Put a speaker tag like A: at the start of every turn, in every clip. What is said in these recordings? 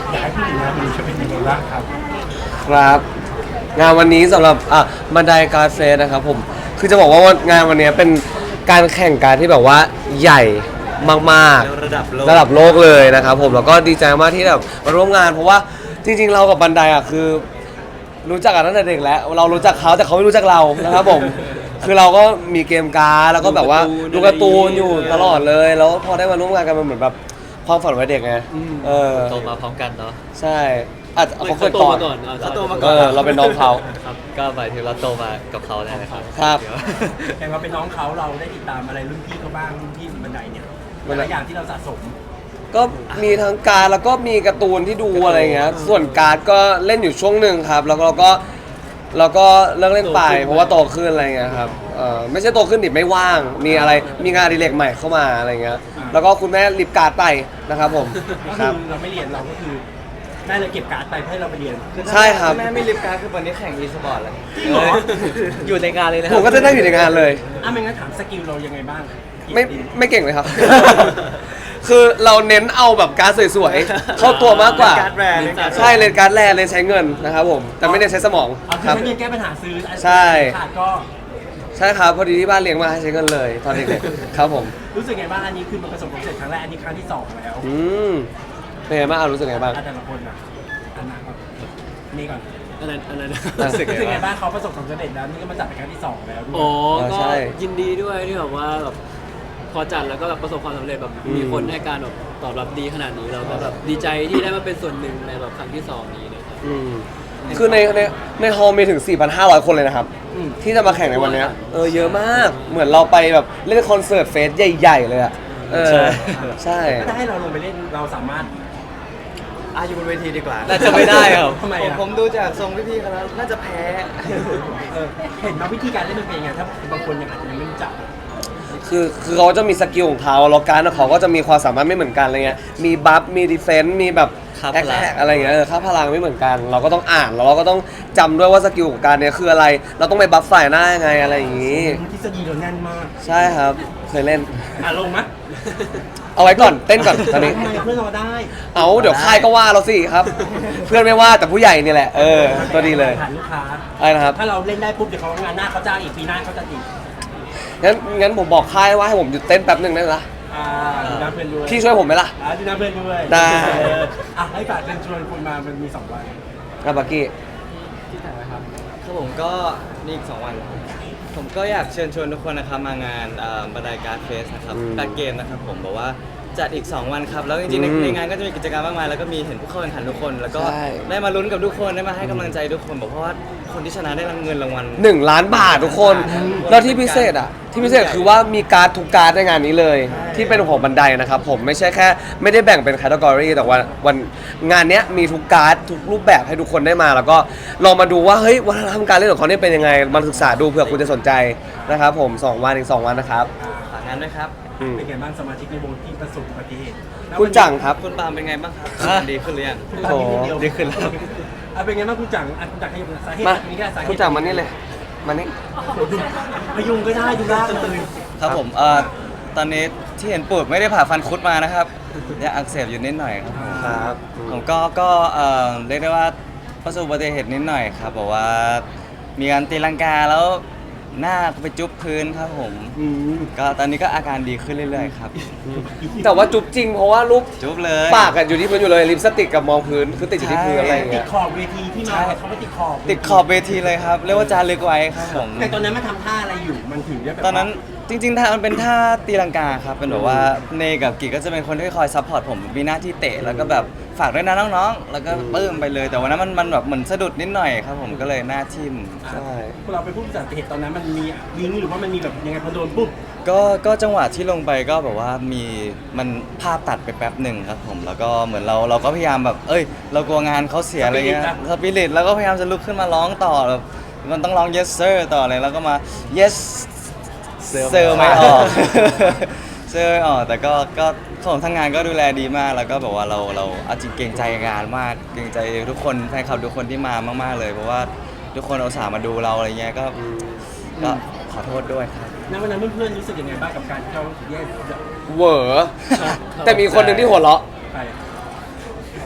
A: อยากให้พูดถึงงานวันนี้จะเป็นยังไงบ้างครับ
B: ครับงานวันนี้สำหรับบันไดการ์ดเฟสนะครับผมคือจะบอกว่างานวันนี้เป็นการแข่งการ์ดที่แบบว่าใหญ่มากๆระดับโลกเลยนะครับผมแล้วก็ดีใจมากที่แบบมาร่วมงานเพราะว่าจริงๆเรากับบันไดคือรู้จักกันตั้งแต่เด็กแล้วเรารู้จักเขาแต่เขาไม่รู้จักเรานะครับผมคือเราก็มีเกมการ์ดแล้วก็แบบว่าดูการ์ตูนอยู่ตลอดเลยแล้วพอได้มาร่วมงานกันมันเหมือนแบบความฝันวัยเด็กไง
C: โตมาพร้อมกันเนาะ
B: ใช่อาจจะเขาเกิดก่อน
C: เขาโตมาก่อน
B: เราเป็นน้องเขา
C: ครับก็หมายถึงเราโตมากับเขาเลยนะครับ
B: ครับ
A: แต่ว่าเป็นน้องเขาเราได้ติดตามอะไรรุ่นพี่เขาบ้างรุ่นพี่บันไดเนี่ยหลายอย่างที่เราสะสม
B: ก็มีทั้งการ์ดแล้วก็มีการ์ตูนที่ดูอะไรเงี้ยส่วนการ์ดก็เล่นอยู่ช่วงหนึ่งครับแล้วเราก็เลิกเล่นไปเพราะว่าโตขึ้นอะไรเงี้ยครับไม่ใช่โตขึ้นดิไม่ว่างมีอะไรมีงานอดิเรกใหม่เข้ามาอะไรเงี้ยแล้วก็คุณแม่รีบการ์ดไปนะครับผม
A: ก็คือเราไม่เรียนเราก็คือแม่เลยเก็บการ์ดไปเพื่อเราไปเรียน
B: ใช่ครับ
C: แม่ไม่รีบการ์ดคือวันนี้แข่งอีสปอร์ตแล้วอยู่ในงานเลยนะ
B: ผมก็จะนั่งอยู่ในงานเลย
A: ไม่งั้นถามสกิลเรายังไงบ้าง
B: ไม่เก่งเลยครับ คือเราเน้นเอาแบบการ์ดสวยๆเข้าตัวมากกว่าใช่เลนการ์ดแรเลยใช้เงินนะครับผมแต่ไม่ได้ใช้สมอง
A: ครับใช้เงินแก้ปัญหาซื้อ
B: ใช่
A: ขาดก็
B: ใช่ครับพอดีที่บ้านเลี้ยงมาให้ใช้เงินเลยตอนเด็กๆครับผม
A: รู้สึกไงบ้างอันนี้คือมันประสบความสำเร็จครั้งแรกอันนี้ครั้งที่2แล้ว
B: เป็นไงบ้างรู้สึกไงบ้าง
A: แต่ละคนอันนั้นนี่ก่อน
C: อะไร
A: รู้สึกไงบ้างเขาประสบความสำเร็จแล้วนี่ก็มาจัดเป็นครั้งที่2แล้ว
C: อ๋อก็ยินดีด้วยที่แบบว่าแบบพอจัดแล้วก็แบบประสบความสำเร็จแบบมีคนให้การแบบตอบรับดีขนาดนี้เราก็แบบดีใจที่ได้มาเป็นส่วนหนึ่งในแบบครั้งที่2นี้นะครับ
B: คือในฮอลล์มีถึง 4,500 คนเลยนะครับที่จะมาแข่งในวันนี้เยอะมากเหมือนเราไปแบบเล่นคอนเสิร์ตเฟสใหญ่ๆเลยอ่ะใช่
A: ถ้าให้เราลงไปเล่นเราสามารถ
C: อยู่บนเวทีดีกว่าน่าจะไม่ได้ครับ
A: ทำไม
C: ผมดูจากทรงพี่ๆเขาแล้วน่าจะแพ้
A: เห็นว่าวิธีการเล่นมันเป็นยังไงถ้าบางคนยังอาจจะไม่รู้จัก
B: คือเขาจะมีสกิลของเขาแล้วการของเขาก็จะมีความสามารถไม่เหมือนกันอะไรเงี้ยมีบัฟมีดีเฟนซ์มีแบบแอคแท็กอะไรเงี้ยค่าพลังไม่เหมือนกันเราก็ต้องอ่านแล้วเราก็ต้องจำด้วยว่าสกิลของการเนี้ยคืออะไรเราต้องไปบัฟฝ่ายหน้ายังไงอะไรอย่างงี้
A: ทฤษฎีเราแน่นมาก
B: ใช่ครับเคยเล่น
A: ลงมั้ย
B: เอาไว้ก่อนเต้นก่อนตอนนี้
A: เพื่อนเราได้
B: เดี๋ยวค่ายก็ว่าเราสิครับเพื่อนไม่ว่าแต่ผู้ใหญ่นี่แหละตัวดีเลย
A: ผ่านลูกค้า
B: อะไรนะครับ
A: ถ้าเราเล่นได้ปุ๊บเดี๋ยวเขางานหน้าเขาจ้างอีกปีหน้าเขาจะอีก
B: งั้นผมบอกค่ายว่าให้ผมหยุดเต้นแป๊บนึงได้ไหมล่ะ
A: ดูน้ำเพื่อนด้วย
B: พี่ช่วยผมไหมล่ะ
A: ดูน้ำเพื่อนด้วย
B: ได้
A: ให้ฝากเชิญชวนคุณมามันมี2 วัน
B: บักกี้
C: ที่ไหนครับผมก็มีอีก2 วันผมก็อยากเชิญชวนทุกคนนะครับมางานบันไดการ์ดเฟสนะครับการ์ดเกมนะครับผมบอกว่าจัดอีก2 วันครับแล้วจริงๆในงานก็จะมีกิจกรรมมากมายแล้วก็มีเห็นผู้เข้าแข่งขันทุกคนแล้วก็ได้มาลุ้นกับทุกคนได้มาให้กำลังใจทุกคนบอกเพราะว่าคนที่ชนะได้รับเงินรางวัล
B: 1 ล้านบาททุกคนแล้วที่พิเศษคือว่ามีการ์ดทุกการ์ดในงานนี้เลยที่เป็นของบันไดนะครับผมไม่ใช่แค่ไม่ได้แบ่งเป็นแคตตากรีแต่ว่าวันงานนี้มีทุกการ์ดทุกรูปแบบให้ทุกคนได้มาแล้วก็ลองมาดูว่าเฮ้ยวัฒนธรรมการเล่นของเขาเนี่ยเป็นยังไงมาศึกษาดูเผื่อคุณจะสนใจนะครับผม2 วันอีก2 วันนะครับ
C: ฝากงานด้วยครับ
A: เป็นไงบ้างสมาชิกในวงที่ประสบอุบัติเหตุ
B: คุณจังครับ
C: คุณปาล์มเป็นไงบ้างครับดีขึ้นหรือยัง
A: ดีขึ้นแล้วเป็นไงบ้างคุณจังคุณจังให้สาเหตุนี้แค่สาเหตุ
B: คุณจังมานี่เลยมานี่
A: พยุงก็ได้ดูได้เลย
C: ครับผมตอนนี้ที่เห็นปวดไม่ได้ผ่าฟันคุดมานะครับยังอักเสบอยู่นิดหน่อยครับผมก็เรียกได้ว่าประสบอุบัติเหตุนิดหน่อยครับบอกว่ามีการตีลังกาแล้วหน้าไปจุ๊บพื้นครับผมก็ตอนนี้ก็อาการดีขึ้นเรื่อยๆครับ
B: แต่ว่าจุ๊บจริงเพราะว่ารูป
C: จุ๊บเลย
B: ปากกันอยู่ที่พื้นอยู่เลยลิปสติกกับมองพื้นคือติดอยู่ที่พื้นอะไรอย่างเงี้
A: ยติดขอบเวทีที่มาเขาไม่
C: ติดขอบเวทีเลยครับเรียกว่าจารึกไว้ครับผม
A: แต่ตอนนั้นมาทำท่าอะไรอยู่มันถึงจะแบบ
C: ตอนนั้นจริงๆท่ามันเป็นท่าตีลังกาครับเป็นแบบว่าเนกับกิก็จะเป็นคนที่คอยซัพพอร์ตผมมีหน้าที่เตะแล้วก็แบบฝากด้วยนะน้องๆแล้วก็ปื้มไปเลยแต่วันนั้นมันแบบเหมือนสะดุดนิดหน่อยครับผมก็เลยหน้าทิ่ม
B: ใช่
A: เราไปพูดจากเหตุตอนนั้นมันมีลิงก์หรือว่ามันมีแบบยังไงพอโดนปุ๊บ
C: ก็จังหวะที่ลงไปก็แบบว่ามีมันภาพตัดไปแป๊บหนึ่งครับผมแล้วก็เหมือนเราก็พยายามแบบเรากลัวงานเขาเสียอะไรเงี้ยสปิริตแล้วก็พยายามจะลุกขึ้นมาร้องต่อแบบมันต้องร้อง yes sir ต่อเลยแล้วก็มา yes เซอร์ไม่ออกเซอร์ไม่ออกแต่ก็ของทางงานก็ดูแลดีมากแล้วก็แบบว่าเราเอาจริงเกรงใจงานมากเกรงใจทุกคนแฟนคลับทุกคนที่มามากๆเลยเพราะว่าทุกคนอุตส่าห์มาดูเราอะไรเงี้ยก็ขอโทษด้วยครับ
A: ณวันนั้นเพื่อนๆรู้สึกยังไงบ้างกับการที่เขาแย่
B: เวอแต่มีคนหนึ่งที่หัวเราะ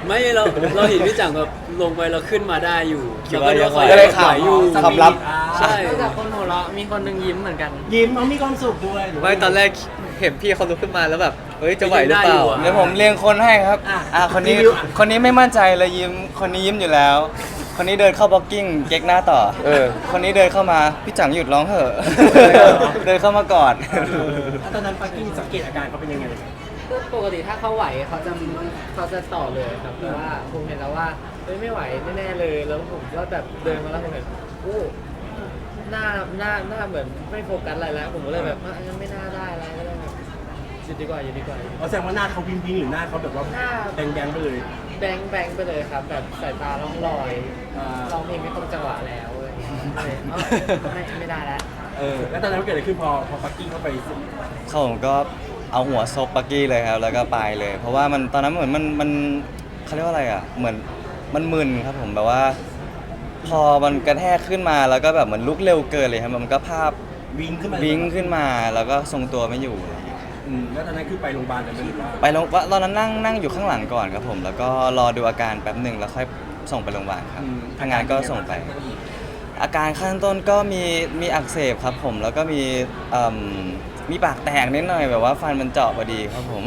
D: ไม่เราเห็นพี่จังแบบลงไปเราขึ้นมาได้อยู่
C: คิดว่ายังไหว
B: ก็เลยข
D: ไหวอยู่
B: ำความลับ
D: ใช่
E: นอกจากคนหัวเราะมีคนหนึ่งยิ้มเหมือนกัน
A: ยิ้มเขามีความสุขด้วยหรือว่า
F: ไม่ตอนแรกเห็นพี่เขาลุกขึ้นมาแล้วแบบเฮ้ยจะไหวหรือเปล่า
C: เดี๋ยวผมเรียงคนให้ครับคนนี้ไม่มั่นใจเลยยิ้มคนนี้ยิ้มอยู่แล้ว คนนี้เดินเข้าบล็อกกิ้งเก๊กหน้าต่อ คนนี้เดินเข้ามาพี่จังหยุดร้องเถอะ เดินเข้ามากอด
A: แล้วตอนนั้นปักกิ้งสังเกตอาการเขาเป็นยังไง
E: ปกติถ้าเขาไหวเขาจะต่อเลยครับแต่ว่าผมเห็นแล้วว่าเฮ้ยไม่ไหวแน่ๆเลยแล้วผมก็แบบเดินมาแล้วผมเห็นโอ้หน้าเหมือนไม่โฟกัสอะไรแล้ว ผมก็เลยแบบงั้นไม่น่าได้แล้วก็เลยแบบหยุดดีกว่า
A: แสดงว่าหน้าเขาวิงหรือหน้าเขาแบบว่า
E: หน้า
A: แดงๆไปเลย
E: แบงค์ไปเลยครับ แบบสายตาล่องลอยร้องเพลงไม่ตรงจังหวะแล้วอะไรอย่างเงี้ยเลยไม่ได้แล้ว
A: แล้วตอนนั้นเกิดอะไรขึ้นพอปักกิ้งเข้าไป
C: เขาผมก็เอาหัวซบปักกี้เลยครับแล้วก็ไปเลย เพราะว่ามันตอนนั้นเหมือนมันเขาเรียกว่าอะไรอ่ะเหมือนมันมึนครับผมแบบว่า พอมันกระแทกขึ้นมาแล้วก็แบบเหมือนลุกเร็วเกินเลยครับมันก็ภาพ
A: วิงขึ้นมา
C: วิ่งขึ้นมาแล้วก็ทรงตัวไม่อยู่อะไรอย่างเงี้ย
A: แล้วตอนนั้นคือไปโรงพยาบาลเลยไหมหรือว่า
C: ไปโรงตอนนั้นนั่งอยู่ข้างหลังก่อนครับผมแล้วก็รอดูอาการแป๊บหนึ่งแล้วค่อยส่งไปโรงพยาบาลครับทางงานก็ส่งไป อาการขั้นต้นก็มีอักเสบครับผมแล้วก็มีปากแตกนิดหน่อยแบบว่าฟันมันเจาะพอดีครับผม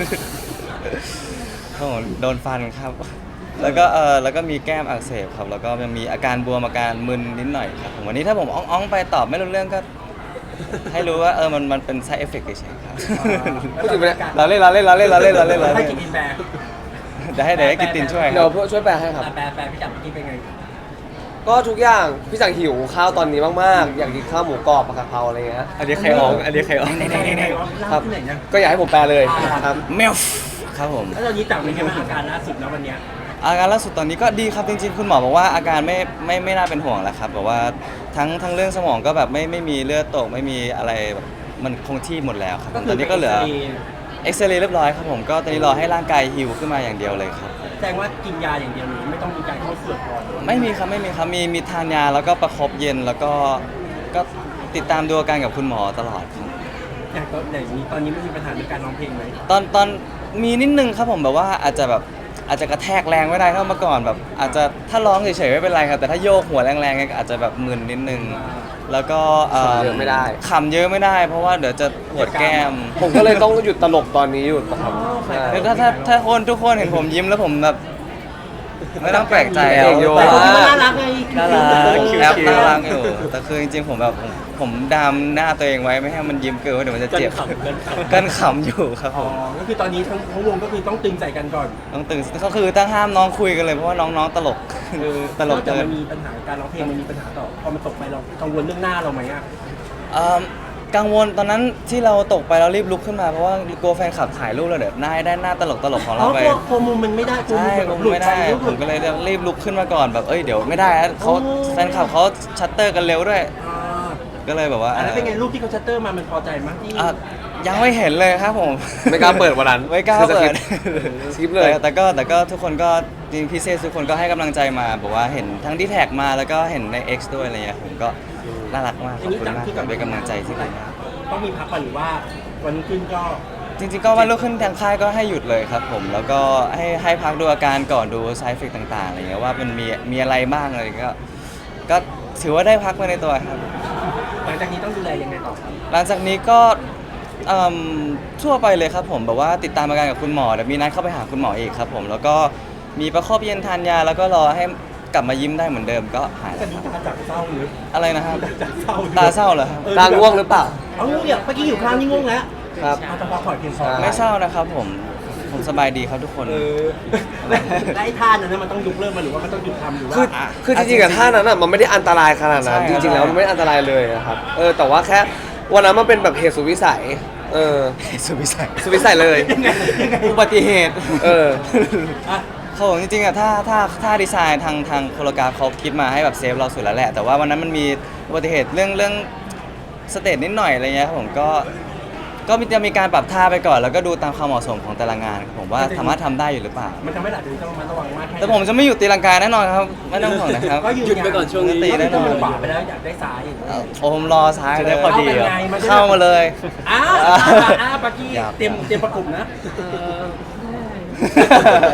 C: ครับผมโดนฟันครับ แล้วก็มีแก้มอักเสบครับแล้วก็ยังมีอาการบวมอาการมึนนิดหน่อยครับผมวันนี้ถ้าผมอ้องๆไปตอบไม่รู้เรื่องก็ ให้รู้ว่ามันเป็น side effect เฉยๆครับ
B: พูดถึงไปแล้ว
C: เราเล่น
A: ให้กินอินแบร์
C: เดี๋ยวให้กิตตินช่วยค
B: เดี๋ย
C: รั
B: ว
C: บ
B: ช่วยแปลให้ครับ
A: แปลพี่จับกินเป็นไง
B: ก็ทุกอย่างพี่จังหิวข้าวตอนนี้มากๆ อยากกินข้าวหมูกรอบผักกะเพราอะไรเงี้ย
F: อันนี้ใครออกอันนี้ใครออก
B: ครับ
A: ที่ไหนเนี่ย
B: ก็อยากให้ผมแปลเลยครับ
C: เมลครับผม
A: แล้วตอนนี้จับเป็นไงบ้างอาการล่าสุดนะวันเนี้ย
C: อาการล่าสุดตอนนี้ก็ดีครับจริงๆคุณหมอบอกว่าอาการไม่น่าเป็นห่วงแล้วครับแบบว่าทั้งเรื่องสมองก็แบบไม่มีเลือดตกไม่มีอะไรแบบมันคงที่หมดแล้วครับตอนนี้ก็เหลือเอ็กซเรย์เรียบร้อยครับผมก็ตอนนี้รอให้ร่างกายฮิวขึ้นมาอย่างเดียวเลยครับ
A: แสดงว่ากินยาอย่างเดียวเลยไม่ต้องมีการเข้าเฝือกก่อน
C: ไม่มีครับมีทานยาแล้วก็ประคบเย็นแล้วก็ติดตามดูอาการกับคุณหมอตลอดครับ
A: อย่างนี้ตอนนี้ไม่มีปัญหาในการร้องเพลงไหม
C: ตอนมีนิดนึงครับผมแบบว่าอาจจะกระแทกแรงไม่ได้เท่าเมื่อก่อนแบบอาจจะถ้าร้องเฉยๆไม่เป็นไรครับแต่ถ้าโยกหัวแรงๆเนี่ยก็อาจจะแบบมึนนิดนึงแล้วก็
B: ขำเยอะไม่ได้
C: ขำเยอะไม่ได้ เพราะว่าเดี๋ยวจะปวดแก้ม
B: ผมก็เลยต้องหยุดตลกตอนนี้หยุดครับใช่
C: แล้วถ้าทุกคนเห็นผมยิ้มแล้วผมแบบไม่ต้องแปลกใจ
B: เองโย
A: แต่คนที่น่ารักไง
C: น่ารัก
F: คิ้วๆ
C: แอปน่ารักอยู่แต่คือจริงๆผมแบบผมดามหน้าตัวเองไว้ไม่ให้มันยิ้มเกินเดี๋ยวมันจะเจ็บกันขำอยู่ครับ
A: อ๋
C: ผ
A: อ
C: ม
A: ก็คือตอนนี้ทั้งวงก็คือต้องตึงใส่กันก่อน
C: ต้องตื่นก็คือตั้งห้ามน้องคุยกันเลยเพราะว่าน้องๆตลกตลก
A: นอกจาก
C: เกิ
A: มัน นมีปัญหาการร้องเพลงมันมีปัญหาต่อพอมันตกไปเรากังวลเรื่องหน้าเราไหมอ่ะ
C: กังวลตอนนั้นที่เราตกไปเรารีบลุกขึ้นมาเพราะว่ากลัวแฟนคลับถ่ายรูปเราเดี๋ยวหน้าตลกของ
A: อ๋อ
C: เราไป
A: กลัวมุมมันไม่ได้กลัว
C: ใช่
A: มุม
C: ผม
A: หลุด
C: ไม่
A: ไป
C: ได้
A: หลุด
C: ผมก็เลยรีบลุกขึ้นมาก่อนแบบเดี๋ยวไม่ได้นะเขาแฟนคลับเขาชัตเตอร์กันเร็วด้วย
A: อ่า
C: ก็เลยแบบว่า
A: แล้วเป็นไงรูปที่เขาชัตเตอร์มามันพอใจมั้ยที่
C: ยังไม่เห็นเลยครับผม
B: ไม่กล้าเปิดวันนั้น
C: ไม่กล้าเปิด
B: สกิปเลย
C: แต่ก็ทุกคนก็จริงพิเศษทุกคนก็ให้กำลังใจมาบอกว่าเห็นทั้งที่แท็กมาแล้วก็เห็นใน X ด้วยอะไรเงี้ยผมก็น่ารักมากขอบคุณมากครับเป็นกำลังใจที่ดีมาก
A: ต้องมีพักก่อนหรือว่าวันรุ่งขึ้นก็
C: จริงๆก็วันรุ่งขึ้นทางค่ายก็ให้หยุดเลยครับผมแล้วก็ให้พักดูอาการก่อนดูไซเฟกต่างๆอะไรเงี้ยว่ามันมีอะไรบ้างอะไรก็ถือว่าได้พักมาในตัวครับ
A: หลังจากนี้ต้องดูแลยังไงต่อครับ
C: หลังจากนี้ก็ทั่วไปเลยครับผมแบบว่าติดตามอาการกับคุณหมอเดี๋ยวมีนัดเข้าไปหาคุณหมออีกครับผมแล้วก็มีประคบเย็นทานยาแล้วก็รอให้กลับมายิ้มได้เหมือนเดิมก็หาย
A: แต่
C: แล้ว
A: นี้ตาจับเศร้าหรือ
C: อะไรนะครับ
A: จับเศร้า
C: ตาเศร้าเหรอครับ
B: ตาง่วงหรือเปล่า
A: เอาง่วงเนี่ยเมื่อกี้อยู่ข้างนี่ง่วงแล้ว
B: ครับ
A: เอาตะพอถอยเพียงพอ
C: ไม่เศร้านะครับผมสบายดีครับทุกคน
A: และไอ้ท่านั้นมันต้องยุกเลิกมันหรือว่ามันต้องหยุดทำหรือว่า
B: คือจริงๆกับท่านั้นอ่ะมันไม่ได้อันตรายขนาดนั้น
C: ใช่
B: จริงๆแล้วมันไม่ได้อันตรายเลยนะครับแต่ว่าแค่วันนั้นมันเป็นแบบเหตุสุดวิสัย
C: สุดวิสัย
B: สุดวิสัยเลย
C: อุบัติเหตุ
A: อ่ะ
C: เขาบอกจริงๆอะถ้าดีไซน์ทางโคโรกราฟเขาคิดมาให้แบบเซฟเราสุดแล้วแหละ แต่ว่าวันนั้นมันมีอุบัติเหตุเรื่องสเตจนิดหน่อยอะไรเงี้ยครับผมก็จะมีการปรับท่าไปก่อน แล้วก็ดูตามความเหมาะสมของแต่ละงานครับผมว่าสามารถทำได้อยู่หรือเปล่า
A: มันทำให้หลายคนต้องระวังมากแค่
C: แต่ผมจะไม่อยู่ตีลังกาแน่นอนครับไม่ต้องห่วงนะครับ
A: ก็
D: หยุดไปก่อนช่วงนี้
A: ตี
C: แน่
A: แน่
C: น
A: น
C: อ
A: อน นขวาไปแล้วอยากได้ซ้าย
C: โอ้ผมรอซ้าย
F: จะ
C: เล
F: ได้
C: ย
F: พอดีเหรอ
C: เข้ามาเลย
A: อ้าวปากี้เตรียมประกบนะ
E: เออ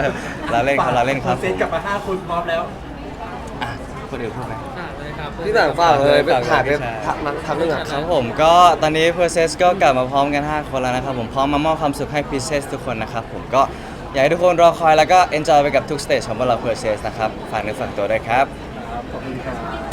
C: เราเล่นครับเราเล่นครับ
A: เซตกลับมา5 คนพร้อมแล้ว
C: อ่ะคนอื่นพูดไหม
E: เลยครับ
B: พี่ต่างฝากเลยไปถ่ายไป
C: ใช่
B: ทำเรื่องอ่ะ
C: ครับผมก็ตอนนี้ Process ก็กลับมาพร้อมกัน 5 คนแล้วนะครับผมพร้อมมามอบความสุขให้ Pieces ทุกคนนะครับผมก็อยากให้ทุกคนรอคอยแล้วก็ enjoy ไปกับทุกสเตจของพวกเรา Process นะครับฝากเนื้อฝากตัวด้วยครับ
A: ขอบคุณครับ